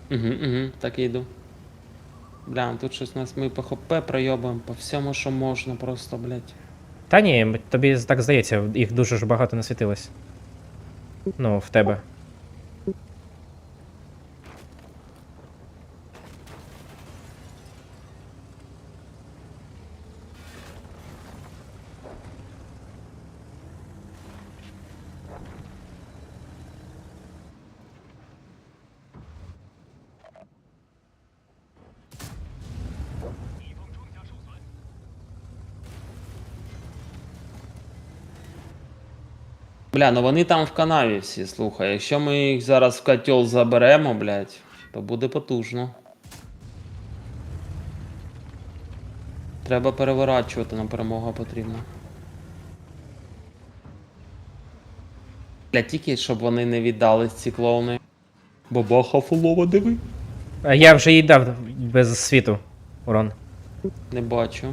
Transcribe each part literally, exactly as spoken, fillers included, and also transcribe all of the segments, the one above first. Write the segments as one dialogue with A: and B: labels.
A: Угу, угу, так і йду. Бля, тут щось нас ми по ХП пройобуємо, по всьому, що можна просто, блядь.
B: Та ні, тобі так здається, їх дуже ж багато насвітилось. Ну, в тебе.
A: Бля, ну вони там в канаві всі, слухай. Якщо ми їх зараз в котел заберемо, блядь, то буде потужно. Треба переворачувати, нам перемога потрібна. Бля, тільки щоб вони не віддались, ці клоуни. Бабаха фулова, диви.
B: А я вже їй дав без світу урон.
A: Не бачу.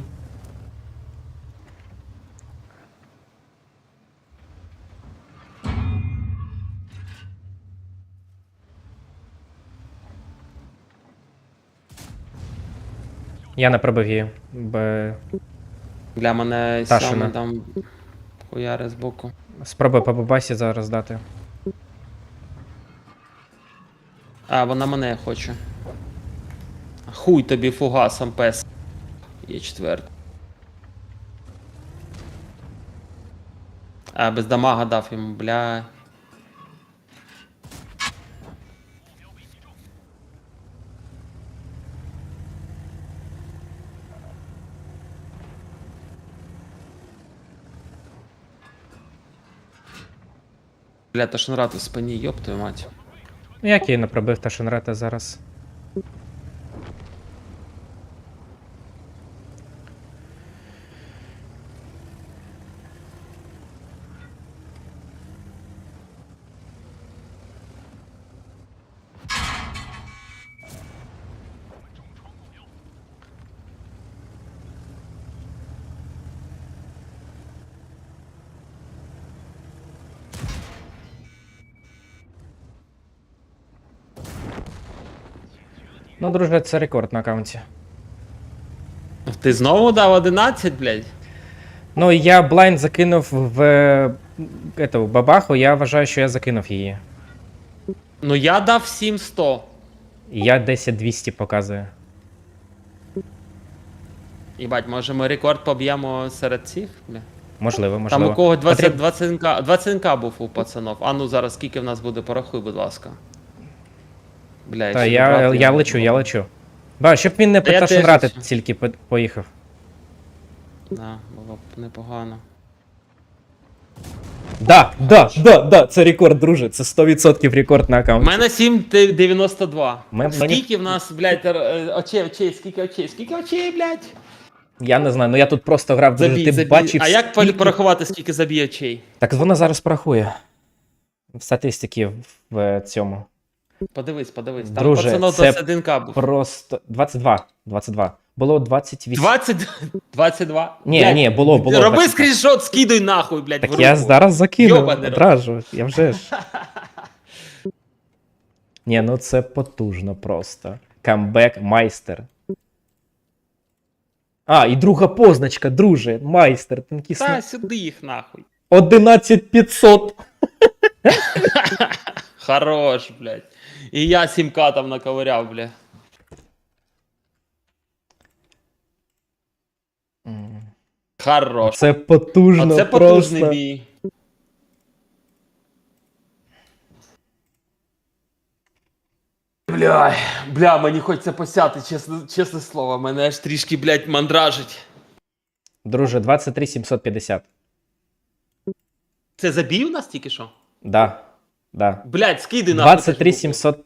B: Я не пробив її. Б...
A: Бля, мене
B: Ташина.
A: саме там хуяри збоку.
B: Спробуй по бабасі зараз дати.
A: А, вона мене хоче. Хуй тобі фугасом, пес. Є четвертий. А, без дамага дав йому, бля. Бля, то шнурат у спині, йоп твою мать.
B: Ну, як я її не пробив та Шенрета зараз. Ну, друже, це рекорд на аккаунті.
A: Ти знову дав одинадцять, блядь?
B: Ну, я блайнд закинув в ету, бабаху, я вважаю, що я закинув її.
A: Ну я дав сім сто.
B: І я десять двісті показує.
A: Їбать, може ми рекорд поб'ємо серед цих, бля?
B: Можливо, можливо.
A: Там у кого двадцять,
B: Потріб-
A: двадцять к двадцять к був у пацанов. А ну зараз скільки в нас буде, порахуй, будь ласка. Бля,
B: Та
A: ще
B: я,
A: добрати
B: я
A: його.
B: лечу, я лечу. Ба, щоб він не
A: Та я
B: по
A: теж
B: Шенрати
A: лечу.
B: тільки по- поїхав.
A: Да, було б непогано.
B: Да, да, да, да, це рекорд, друже. Це сто відсотків рекорд на
A: У
B: аккаунті.
A: мене сім дев'яносто два.
B: Ми-
A: Скільки в нас, блядь, р- очей, очей, скільки очей, скільки очей, блядь?
B: Я не знаю, ну я тут просто грав, друже,
A: Забій,
B: ти
A: забій.
B: бачив.
A: А як
B: скільки-
A: порахувати, скільки забій очей?
B: Так вона зараз порахує. В статистики в е, цьому.
A: Подивись, подивись. Там
B: Друже,
A: пацанов
B: це
A: двадцять один к був.
B: Просто двадцять два. двадцять два. Було двадцять вісім.
A: двадцять, двадцять два?
B: Ні,
A: Блядь,
B: ні, було, було.
A: Роби
B: двадцять два.
A: скріншот, скидуй нахуй, блядь, в
B: Так
A: руку.
B: я зараз закинув,
A: Йобаний рот.
B: одразу, я вже ж. Ні, ну це потужно просто. Камбек майстер. А, і друга позначка, друже, майстер, тонкісний.
A: Та сюди їх нахуй.
B: одинадцять п'ятсот.
A: Хорош, блядь. І я сім к там наковиряв, блядь. Хорош.
B: Це потужно
A: Оце потужний
B: просто.
A: бій. Бля, бля, мені хочеться посяти, чесне, чесне слово, мене аж трішки, блядь, мандражить.
B: Друже, двадцять три сімсот п'ятдесят.
A: Це забій у нас тільки що?
B: Да, да.
A: Блядь, скиди нахуй.
B: двадцять три сімсот.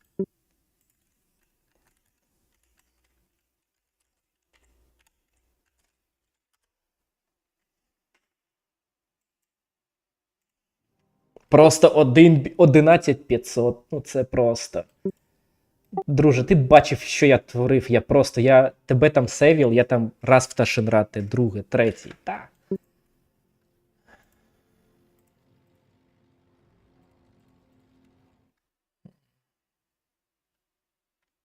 B: Просто один, одинадцять п'ятсот. Ну це просто. Друже, ти бачив, що я творив. Я просто, я тебе там сейвів, я там раз в Ташенрати, друге, третій. Так.